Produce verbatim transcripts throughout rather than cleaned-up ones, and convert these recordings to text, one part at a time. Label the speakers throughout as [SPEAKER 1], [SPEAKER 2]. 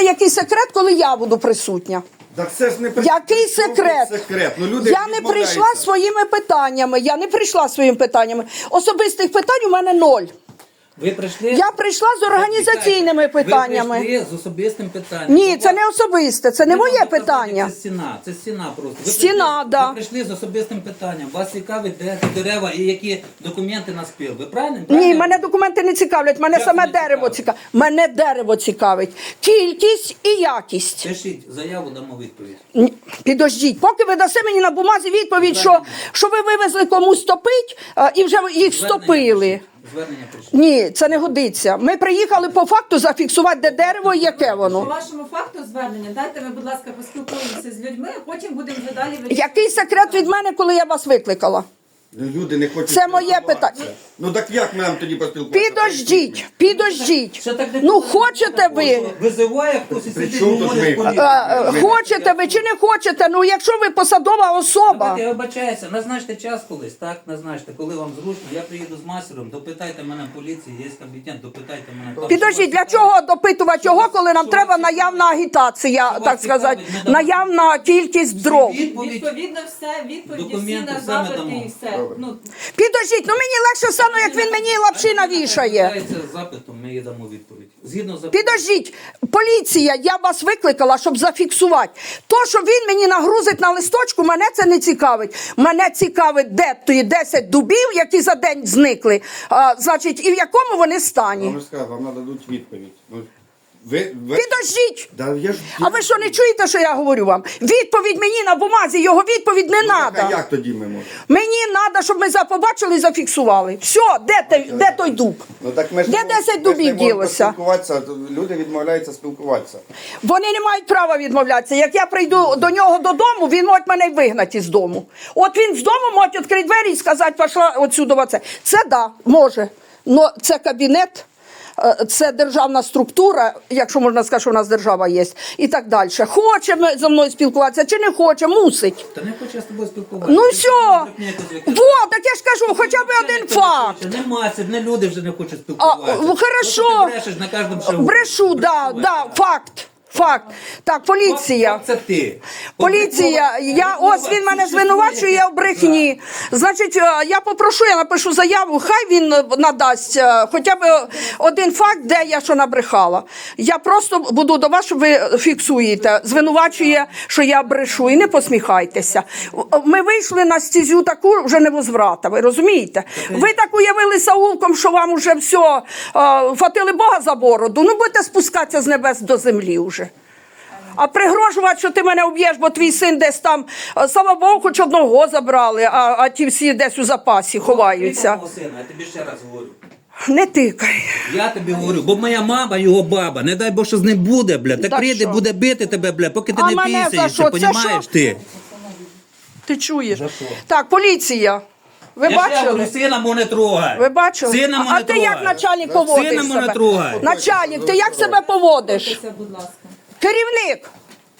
[SPEAKER 1] який секрет, коли я буду присутня?
[SPEAKER 2] Так це ж не при-
[SPEAKER 1] Який секрет?
[SPEAKER 2] секрет? Ну, люди
[SPEAKER 1] Я не прийшла своїми питаннями, я не прийшла своїми питаннями. Особистих питань у мене ноль.
[SPEAKER 3] Ви прийшли?
[SPEAKER 1] Я прийшла з організаційними питаннями.
[SPEAKER 3] Ви прийшли з особистим питанням.
[SPEAKER 1] Ні, це не особисте, це не
[SPEAKER 3] Ви
[SPEAKER 1] моє
[SPEAKER 3] можете сказати,
[SPEAKER 1] питання.
[SPEAKER 3] Це стіна, це стіна просто. Ви
[SPEAKER 1] Стіна,
[SPEAKER 3] прийшли,
[SPEAKER 1] да.
[SPEAKER 3] Ви прийшли з особистим питанням. Вас цікавить, де ці дерева і які документи на спіл. Ви правильно?
[SPEAKER 1] Ні,
[SPEAKER 3] Правильно?
[SPEAKER 1] мене документи не цікавлять, мене
[SPEAKER 3] Як
[SPEAKER 1] саме
[SPEAKER 3] не
[SPEAKER 1] дерево
[SPEAKER 3] цікавить?
[SPEAKER 1] цікавить. Мене дерево цікавить. Кількість і якість.
[SPEAKER 3] Пишіть заяву, дамо відповідь.
[SPEAKER 1] Ні, підождіть, поки ви дасте мені на бумазі відповідь, що, що ви вивезли комусь топить, а, і вже їх стопили.
[SPEAKER 3] пишіть. Звернення пишіть.
[SPEAKER 1] Ні, це не годиться. Ми приїхали по факту зафіксувати, де дерево і яке
[SPEAKER 4] По
[SPEAKER 1] воно.
[SPEAKER 4] вашому факту звернення, дайте ми, будь ласка, поспілкуємося з людьми, а потім будемо вже далі вирішувати.
[SPEAKER 1] Який секрет від мене, коли я вас викликала?
[SPEAKER 2] Ну, люди не хочуть
[SPEAKER 1] Це моє
[SPEAKER 2] спілкуватися.
[SPEAKER 1] питання.
[SPEAKER 2] Ну так як ми нам тоді поспілкуватися?
[SPEAKER 1] Підождіть, підождіть.
[SPEAKER 3] Ще так не
[SPEAKER 1] Ну
[SPEAKER 3] повинно
[SPEAKER 1] хочете
[SPEAKER 3] бути
[SPEAKER 1] ви,
[SPEAKER 3] такого, що Визиває хтось і
[SPEAKER 2] При
[SPEAKER 3] сидить,
[SPEAKER 2] чому тут
[SPEAKER 3] говорить
[SPEAKER 2] ми?
[SPEAKER 3] з поліцією.
[SPEAKER 1] е, е, хочете ви чи не хочете, ну якщо ви посадова особа.
[SPEAKER 3] Я вибачаюся, назначте час колись, так? Назначте, коли вам зручно. Я приїду з мастером, допитайте мене в поліції, є кабінет, допитайте мене. Там,
[SPEAKER 1] Підождіть, для чого допитувати його, коли нам треба наявна агітація,
[SPEAKER 3] Що
[SPEAKER 1] так
[SPEAKER 3] вас
[SPEAKER 1] сказати,
[SPEAKER 3] цікавить, ми дамо.
[SPEAKER 1] наявна кількість дров.
[SPEAKER 3] Відповідь.
[SPEAKER 4] Відповідно все, відповіді всі
[SPEAKER 3] Документи
[SPEAKER 4] на
[SPEAKER 3] все ми
[SPEAKER 4] запити
[SPEAKER 3] дамо.
[SPEAKER 4] і все. Ну,
[SPEAKER 1] Підождіть, ну мені легше стане, як він мені лапші навішає.
[SPEAKER 3] Звертається з запитом, ми їй дамо відповідь. Згідно з запитом.
[SPEAKER 1] Підождіть, поліція, я вас викликала, щоб зафіксувати. То, що він мені нагрузить на листочку, мене це не цікавить. Мене цікавить, де ті десять дубів, які за день зникли, а, значить, і в якому вони стані.
[SPEAKER 2] Вам ж сказав, вам нададуть відповідь. Ну, ви, ви...
[SPEAKER 1] Підождіть!
[SPEAKER 2] Да, я ж...
[SPEAKER 1] А ви що, не чуєте, що я говорю вам? Відповідь мені на бумазі, його відповідь не
[SPEAKER 2] Ну, так, а
[SPEAKER 1] треба.
[SPEAKER 2] як тоді ми можемо?
[SPEAKER 1] Мені треба, щоб ми за- побачили і зафіксували. Все, де, той- де той дуб?
[SPEAKER 2] Ну, так ми ж
[SPEAKER 1] Де
[SPEAKER 2] не можемо-
[SPEAKER 1] десять
[SPEAKER 2] ми ж не
[SPEAKER 1] дубів
[SPEAKER 2] можемо
[SPEAKER 1] ділося?
[SPEAKER 2] поспілкуватися, то люди відмовляються спілкуватися.
[SPEAKER 1] Вони не мають права відмовлятися. Як я прийду до нього додому, він може мене й вигнати з дому. От він з дому може відкрити двері і сказати, пішла отсюди. Оце. Це да, може. Но це кабінет, е, це державна структура, якщо можна сказати, що в нас держава є, і так далі. Хоче ми зі мною спілкуватися чи не хоче, мусить.
[SPEAKER 3] Та не хочу я з тобою спілкуватися.
[SPEAKER 1] Ну
[SPEAKER 3] Ти
[SPEAKER 1] все,
[SPEAKER 3] брехня якась, як я-
[SPEAKER 1] вот, так я ж кажу, хоча б один
[SPEAKER 3] Ніхто не
[SPEAKER 1] факт.
[SPEAKER 3] хоче. Нема, це не люди вже не хочуть
[SPEAKER 1] А,
[SPEAKER 3] спілкуватися.
[SPEAKER 1] ну, хорошо.
[SPEAKER 3] Просто ти брешеш на кожному шагу.
[SPEAKER 1] Брешу, да, да, факт. Факт. Так, поліція.
[SPEAKER 3] Факт, Це ти.
[SPEAKER 1] Поліція, я, ось він мене звинувачує в брехні. Значить, е, я попрошу, я напишу заяву, хай він е, надасть е, хоча б один факт, де я що набрехала. Я просто буду до вас, щоб ви фіксуєте. Звинувачує, що я брешу, і не посміхайтеся. Ми вийшли на стезю таку вже невозврата, ви розумієте? Ви так уявили Саулком, що вам уже все, е, фатили Бога за бороду, ну будете спускатися з небес до землі вже. А пригрожувати, що ти мене уб'єш, бо твій син десь там, е, слава Богу, хоч одного забрали, а, а ті всі десь у запасі ховаються.
[SPEAKER 3] Мого сина, я тобі ще раз говорю.
[SPEAKER 1] Не тикай.
[SPEAKER 3] Я тобі говорю, бо моя мама, його баба, не дай Бог, що з ним буде, бля. Так
[SPEAKER 1] Так
[SPEAKER 3] прийде,
[SPEAKER 1] що?
[SPEAKER 3] буде бити тебе, бля, поки ти
[SPEAKER 1] А
[SPEAKER 3] не
[SPEAKER 1] мене за
[SPEAKER 3] пісаєшся,
[SPEAKER 1] що? Це
[SPEAKER 3] понімаєш
[SPEAKER 1] що?
[SPEAKER 3] ти?
[SPEAKER 1] Ти чуєш?
[SPEAKER 3] За що?
[SPEAKER 1] Так, поліція. Ви
[SPEAKER 3] Я ще говорю,
[SPEAKER 1] бачили?
[SPEAKER 3] сина мого не трогай.
[SPEAKER 1] Ви бачили?
[SPEAKER 3] Сина
[SPEAKER 1] а
[SPEAKER 3] мого
[SPEAKER 1] а
[SPEAKER 3] не
[SPEAKER 1] ти
[SPEAKER 3] трогай.
[SPEAKER 1] як начальник поводиш
[SPEAKER 3] Сина мого не
[SPEAKER 1] себе?
[SPEAKER 3] трогай.
[SPEAKER 1] Начальник, ти як себе поводиш?
[SPEAKER 4] це, будь ласка.
[SPEAKER 1] Керівник.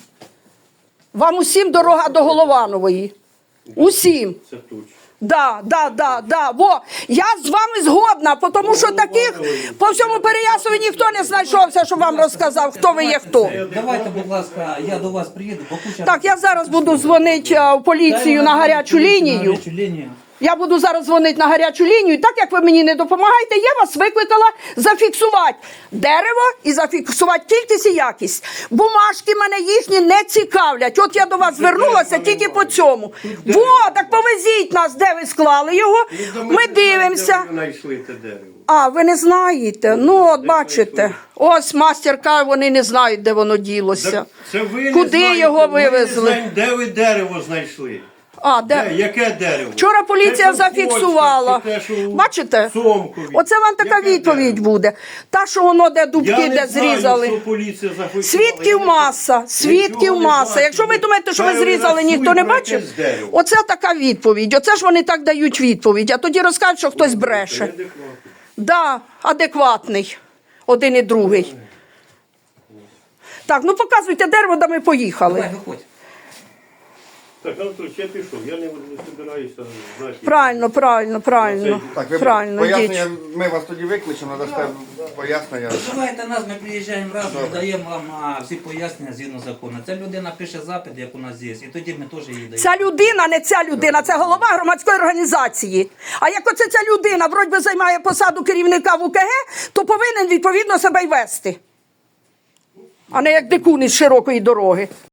[SPEAKER 1] Вам усім дорога до Голованової. Усім.
[SPEAKER 5] Це точно.
[SPEAKER 1] Да, да, да, да. Во, я з вами згодна, тому що таких по всьому Переяславі ніхто не знайшовся, щоб вам розказав, хто ви є хто.
[SPEAKER 3] Давайте, будь ласка, я до вас приїду, бо куча...
[SPEAKER 1] Так, я зараз буду дзвонити е, в поліцію на гарячу лінію.
[SPEAKER 3] На гарячу лінію.
[SPEAKER 1] Я буду зараз дзвонити на гарячу лінію. Так як ви мені не допомагаєте, я вас викликала зафіксувати дерево і зафіксувати кількість і якість. Бумажки мене їхні не цікавлять. От я до вас звернулася тільки по цьому. Во, так повезіть нас, де ви склали його. Ми дивимося.
[SPEAKER 5] Ви знайшли те дерево.
[SPEAKER 1] А, ви не знаєте? Ну, от бачите. Ось мастер каже, вони не знають, де воно ділося.
[SPEAKER 5] Так це ви не
[SPEAKER 1] Куди
[SPEAKER 5] знаєте,
[SPEAKER 1] його
[SPEAKER 5] ми не
[SPEAKER 1] вивезли?
[SPEAKER 5] знаємо, де ви дерево знайшли?
[SPEAKER 1] А,
[SPEAKER 5] Де?
[SPEAKER 1] де?
[SPEAKER 5] Яке дерево?
[SPEAKER 1] Вчора поліція
[SPEAKER 5] Те, що в
[SPEAKER 1] зафіксувала.
[SPEAKER 5] Польщі, чи те, що у
[SPEAKER 1] Бачите?
[SPEAKER 5] Сомкові.
[SPEAKER 1] Оце вам така
[SPEAKER 5] Яке
[SPEAKER 1] відповідь
[SPEAKER 5] дерево?
[SPEAKER 1] буде. Та, що воно де дубки,
[SPEAKER 5] Я
[SPEAKER 1] де
[SPEAKER 5] не знаю,
[SPEAKER 1] зрізали.
[SPEAKER 5] що поліція зафіксувала.
[SPEAKER 1] Свідків
[SPEAKER 5] Я не-
[SPEAKER 1] маса, свідків
[SPEAKER 5] Нічого не
[SPEAKER 1] маса.
[SPEAKER 5] бачу.
[SPEAKER 1] Якщо ви думаєте, що ви зрізали,
[SPEAKER 5] Перерахуй
[SPEAKER 1] ніхто не
[SPEAKER 5] про
[SPEAKER 1] бачив,
[SPEAKER 5] якесь дерево.
[SPEAKER 1] оце така відповідь. Оце ж вони так дають відповідь, а тоді розкажуть, що хтось бреше.
[SPEAKER 5] Неадекватно.
[SPEAKER 1] Да, адекватний. Один і другий. Так, ну показуйте дерево, де ми поїхали.
[SPEAKER 3] Давай, виходь.
[SPEAKER 5] Так, Анатолій, я пішов, я не, не збираюся знати.
[SPEAKER 1] Правильно, правильно, правильно.
[SPEAKER 2] Так, ви
[SPEAKER 1] Правильно,
[SPEAKER 2] пояснення,
[SPEAKER 1] йдіть.
[SPEAKER 2] ми вас тоді викличемо, надасте пояснення.
[SPEAKER 3] Визивайте нас, ми приїжджаємо раз, ми даємо вам а, всі пояснення згідно закону. Ця людина пише запит, як у нас є, і тоді ми теж її даємо.
[SPEAKER 1] Ця людина, не ця людина, це голова громадської організації. А як оце ця людина, вроді би, займає посаду керівника в УКГ, то повинен відповідно себе й вести. А не як дикун із широкої дороги.